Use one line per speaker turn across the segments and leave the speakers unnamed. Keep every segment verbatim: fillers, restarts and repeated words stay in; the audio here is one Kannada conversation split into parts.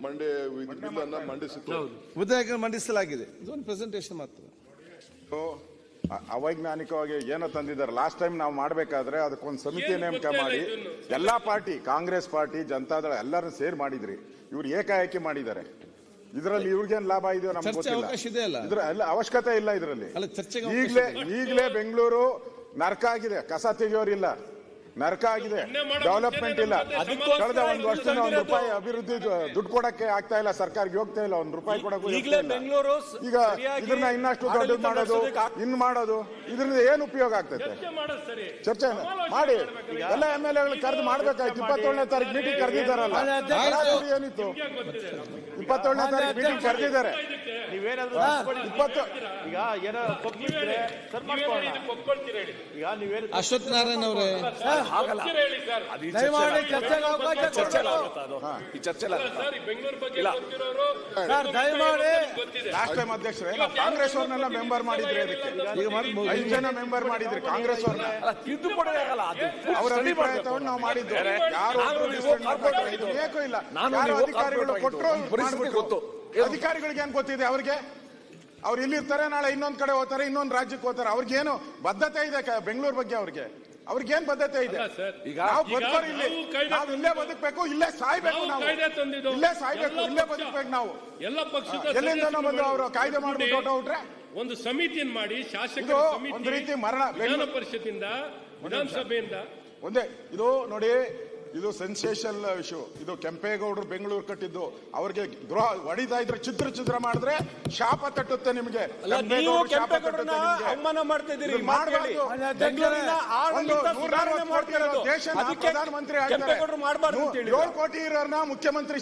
ಮಂಡೇ ಬಿಲ್ ಅನ್ನ ಮಂಡಿಸಿತ್ತು.
ವಿಧೇಯಕ ಮಂಡಿಸಲಾಗಿದೆ. ಇದೊಂದು ಪ್ರೆಸೆಂಟೇಷನ್ ಮಾತ್ರ.
ಅವೈಜ್ಞಾನಿಕವಾಗಿ ಏನೋ ತಂದಿದ್ದಾರೆ. ಲಾಸ್ಟ್ ಟೈಮ್ ನಾವು ಮಾಡಬೇಕಾದ್ರೆ ಅದಕ್ಕೊಂದು ಸಮಿತಿ ನೇಮಕ ಮಾಡಿ ಎಲ್ಲಾ ಪಾರ್ಟಿ, ಕಾಂಗ್ರೆಸ್ ಪಾರ್ಟಿ, ಜನತಾದಳ ಎಲ್ಲರೂ ಸೇರಿ ಮಾಡಿದ್ರಿ. ಇವ್ರು ಏಕಾಏಕಿ ಮಾಡಿದ್ದಾರೆ. ಇದರಲ್ಲಿ ಇವ್ರಿಗೇನು ಲಾಭ ಇದೆಯೋ ನಮ್ಗೆ ಗೊತ್ತಿಲ್ಲ. ಇದ್ರ ಅವಶ್ಯಕತೆ ಇಲ್ಲ. ಇದರಲ್ಲಿ ಈಗಲೇ ಈಗಲೇ ಬೆಂಗಳೂರು ನರಕ ಆಗಿದೆ. ಕಸ ತೆಗೆಯೋರಿಲ್ಲ, ನರಕ ಆಗಿದೆ. ಡೆವಲಪ್ಮೆಂಟ್ ಇಲ್ಲ. ಕಳೆದ ಒಂದು ವರ್ಷದಿಂದ ಒಂದು ರೂಪಾಯಿ ಅಭಿವೃದ್ಧಿ ದುಡ್ಡು ಕೊಡಕ್ಕೆ ಆಗ್ತಾ ಇಲ್ಲ. ಸರ್ಕಾರಕ್ಕೆ ಹೋಗ್ತಾ ಇಲ್ಲ. ಒಂದು ರೂಪಾಯಿ ಕೊಡಕ್ಕೂ ಈಗ ಇದನ್ನ ಇನ್ನಷ್ಟು ದೊಡ್ಡದು ಮಾಡೋದು, ಇನ್ ಮಾಡೋದು, ಇದರಿಂದ ಏನು ಉಪಯೋಗ ಆಗ್ತೈತೆ? ಚರ್ಚೆ ಮಾಡಿ. ಎಲ್ಲ ಎಂ ಎಲ್ ಎಗಳು ಕರೆದು ಮಾಡ್ಬೇಕಾಯ್ತು. ಇಪ್ಪತ್ತೇಳನೇ ತಾರೀಕು ಮೀಟಿಂಗ್ ಕರೆದಿದ್ದಾರಲ್ಲ, ಏನಿತ್ತು? ಇಪ್ಪತ್ತೇಳನೇ ತಾರೀಕು ಮೀಟಿಂಗ್ ಕರೆದಿದ್ದಾರೆ.
ಅಶ್ವಥ್ ನಾರಾಯಣ ಅವರೇ,
ಲಾಸ್ಟ್ ಟೈಮ್ ಅಧ್ಯಕ್ಷರೇ ಕಾಂಗ್ರೆಸ್ ಅವ್ರನ್ನೆಲ್ಲ ಮೆಂಬರ್ ಮಾಡಿದ್ರಿ. ಅದಕ್ಕೆ ಐದು ಜನ ಮೆಂಬರ್ ಮಾಡಿದ್ರಿ ಕಾಂಗ್ರೆಸ್ ಅವ್ರನ್ನ. ಅವರ ಅಭಿಪ್ರಾಯ ತಗೊಂಡು ನಾವು ಮಾಡಿದ್ದು. ಯಾರು ಬೇಕೂ ಇಲ್ಲ. ಯಾರು ಅಧಿಕಾರಿಗಳು ಕೊಟ್ಟರು ಗೊತ್ತು. ಅಧಿಕಾರಿಗಳಿಗೆ ಏನ್ ಗೊತ್ತಿದೆ? ಅವ್ರಿಗೆ ಅವ್ರು ಇಲ್ಲಿರ್ತಾರೆ, ನಾಳೆ ಇನ್ನೊಂದ್ ಕಡೆ ಹೋಗ್ತಾರೆ, ಇನ್ನೊಂದು ರಾಜ್ಯಕ್ಕೆ ಹೋಗ್ತಾರೆ. ಅವ್ರಿಗೇನು ಬದ್ಧತೆ ಇದೆ ಬೆಂಗಳೂರು ಬಗ್ಗೆ? ಅವ್ರಿಗೆ ಅವ್ರಿಗೇನ್ ಬದ್ಧತೆ ಇದೆ? ನಾವು ಬದುಕೋರು ಇಲ್ಲಿ, ನಾವು ಇಲ್ಲೇ ಬದುಕಬೇಕು, ಇಲ್ಲೇ ಸಾಯ್ಬೇಕು, ನಾವು ಇಲ್ಲೇ ಸಾಯ್ಬೇಕು, ಇಲ್ಲೇ ಬದುಕಬೇಕು. ನಾವು
ಎಲ್ಲ ಪಕ್ಷದ
ಎಲ್ಲಿಂದ ಬಂದು ಅವರು ಕಾಯ್ದೆ ಮಾಡ್ಬಿಟ್ಟು ಹೊರಟೋಗ್ರೆ
ಒಂದು ಸಮಿತಿಯನ್ನು ಮಾಡಿ, ಶಾಸಕರ ಸಮಿತಿ,
ಒಂದು ರೀತಿ ಮರಣ.
ವಿಧಾನ ಪರಿಷತ್ತಿಂದ, ವಿಧಾನಸಭೆಯಿಂದ
ಒಂದೇ ಇದು ನೋಡಿ. ಇದು ಸೆನ್ಸೇಷನ್ ಇಶ್ಯೂ. ಇದು ಕೆಂಪೇಗೌಡರು ಬೆಂಗಳೂರು ಕಟ್ಟಿದ್ದು. ಅವ್ರಿಗೆ ದ್ರೋಹ ಹೊಡಿತಾ ಇದ್ರೆ, ಚಿತ್ರ ಚಿತ್ರ ಮಾಡಿದ್ರೆ ಶಾಪ ತಟ್ಟುತ್ತೆ ನಿಮ್ಗೆ.
ಅವಮಾನ ಮಾಡ್ತಾ ಇದ್ದೀರಿ.
ಪ್ರಧಾನಮಂತ್ರಿ ಏಳು ಕೋಟಿ ಇರೋರ್ನ ಮುಖ್ಯಮಂತ್ರಿ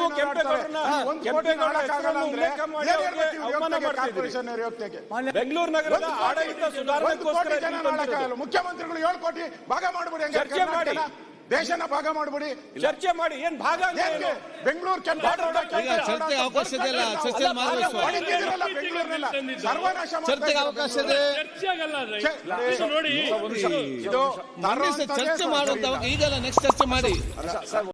ಬೆಂಗಳೂರು ನಗರದ ಆಡಳಿತ ಸುಧಾರಣೆಗೋಸ್ಕರ
ಮುಖ್ಯಮಂತ್ರಿಗಳು ಏಳು ಕೋಟಿ ಭಾಗ ಮಾಡ್ಬಿಡಿ. ಚರ್ಚೆ ಮಾಡಿ, ದೇಶನ ಭಾಗ ಮಾಡ್ಬಿಡಿ.
ಚರ್ಚೆ ಮಾಡಿ. ಏನ್ ಭಾಗ?
ಬೆಂಗಳೂರು
ಚರ್ಚೆಗೆ ಅವಕಾಶ ಇದೆಯಲ್ಲ, ಚರ್ಚೆ ಮಾಡಬೇಕು.
ಸರ್ವನಾಶ
ಚರ್ಚೆಗೆ ಅವಕಾಶ ಇದೆ.
ನೋಡಿ,
ಚರ್ಚೆ ಮಾಡುವಂತ ಈಗಲ್ಲ, ನೆಕ್ಸ್ಟ್ ಚರ್ಚೆ ಮಾಡಿ.